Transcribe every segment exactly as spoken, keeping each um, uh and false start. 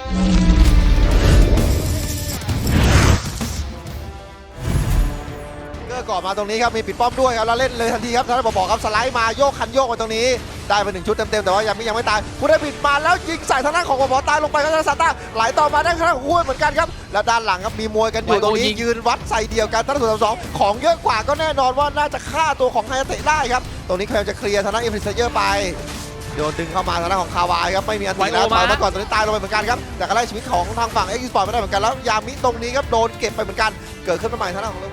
ก่อนมาตรงนี้ครับมีปิดป้อมด้วยครับแล้วเล่นเลยทันทีครับท่านบอกครับสไลด์มาโยกคันโยกมาตรงนี้ได้ไปหนึ่งชุดเต็มๆแต่ว่ายังไม่ยังไม่ตายผู้ได้ปิดมาแล้วยิงใส่ทางด้านของบอตายลงไปครับทางซาต้าไหลต่อมาได้ทางด้านของคู่เหมือนกันครับแล้วด้านหลังครับมีมวยกันอยู่ตรงนี้ยืนวัดใส่เดียวกันท่านส่วนสองของเยอะกว่าก็แน่นอนว่าน่าจะฆ่าตัวของไฮเตะได้ครับตรงนี้พยายามจะเคลียร์ทางด้านเอฟริเซเยอร์ไปโดนดึงเข้ามาทางด้านของคาวายครับไม่มีอันติแล้วถอยมาก่อนตอนนี้ตายลงไปเหมือนกันครับแต่ก็ไล่ชีวิตของทางฝั่งเอ็กซ์สปอร์ตไม่ได้เหมือนกันแล้วยามิตรงนี้ครับโดนเก็บไปเหมือนกันเกิดขึ้นมาใหม่ทางด้านของ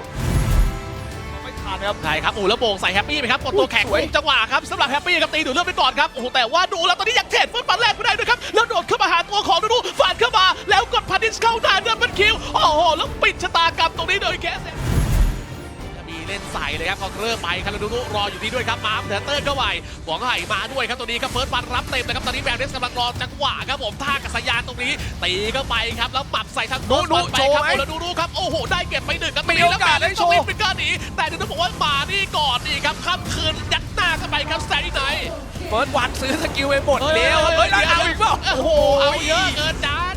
ใช่ครับโอ้แล้วโป่งใส่แฮปปี้ไหมครับกดตัวแข็งจังหวะครับสำหรับแฮปปี้ครับตีดูเลือดไปก่อนครับโอ้โหแต่ว่าดูแล้วตอนนี้ยังเทรดฟุตบอลแรกไม่ได้ด้วยครับแล้วโดดเข้ามาหาตัวของดูดูฟาดเข้ามาแล้วกดพาดิสเข้าได้เดินเป็นคิวโอ้โหแล้วปิดชะตากรรมตรงนี้โดยแคสมีเล่นใส่เลยครับเขาเริ่มไปคาราดูดูรออยู่ที่ด้วยครับมาเทเตอร์เข้าไปหวังไห่มาด้วยครับตรงนี้ครับเฟิร์สบันรับเต็มนะครับตอนนี้แบงค์เดสกำลังรอจังหวะครับผมท่ากัศยานตรงนี้ตีเข้าไปครับแล้วปรับใส่ทางดูดูโชว์ไหมแล้วดูดูครับโอ้โหได้เก็บไปหนึ่งครับมีโอกาสได้โชว์เป็นการหนีแต่ดูดูบอกว่ามานี่ก่อนนี่ครับค่ำคืนยัดหน้าเข้าไปครับแซนดี้ไนท์เฟิร์สวันซื้อสกิลไปหมดแล้วเฮ้ยเอาอีกเปล่าโอ้โหเอาเยอะเกินจาน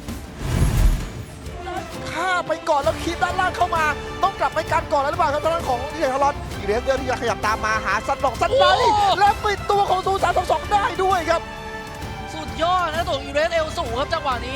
ฆ่าไปก่อนแล้วคีบด้านล่างเข้ามาต้องกลับไปกันก่อนแล้วหรือเปล่าครับทางด้านของที่เดชฮารอนอีเรนเดอร์ที่จะขยับตามมาหาซันดอกซันไนและปิดตัวของซูสามสองสองได้ด้วยครับสุดยอดนะตัวอีเรสเอลสูงครับจังหวะนี้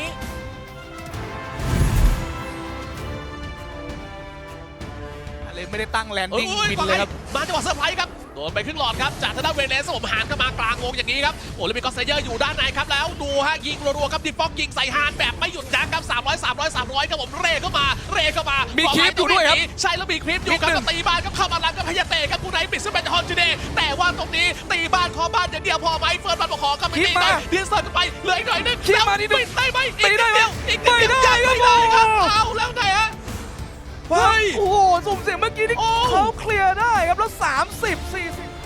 เลยไม่ได้ตั้งแลนดิ้งบินเลยครับมาจังหวะเซอร์ไพรส์ครับโดนไปครึ่งหลอดครับจากทางด้านเวเลสผมหานเข้ามากลางวงอย่างนี้ครับโอ้แล้วมีกอสเซเยอร์อยู่ด้านในครับแล้วดูฮะยิงรัวๆครับดิฟอกยิงใส่ฮานแบบไม่หยุดยั้งครับสามร้อย สามร้อย สามร้อยครับผมเร่เข้ามาเร่เข้ามามีคลิปอยู่ด้วยครับใช่แล้วมีคลิปอยู่ครับตีบ้านครับเข้ามาหลังกับพยาเตะครับผู้ไหนปิดซึ่งเป็นฮอนจูเดย์แต่ว่าตรงนี้ตีบ้านขอบ้านอย่างเดียวพอไหมเฟิร์นบันบอกขอครับไม่ตีได้เพียงเสิร์ฟไปเหลืออีกหน่อยนึงแล้วปิดได้ไหมอีกนิดเดียวอีกนิดเดียวไม่ได้ครับเอาแล้วไงฮะเฮ้ยโอ้โหสุ่มเสียงเมื่อกี้นี่เขาเคลียร์ได้ครับแล้วสามสิบ สี่สิบ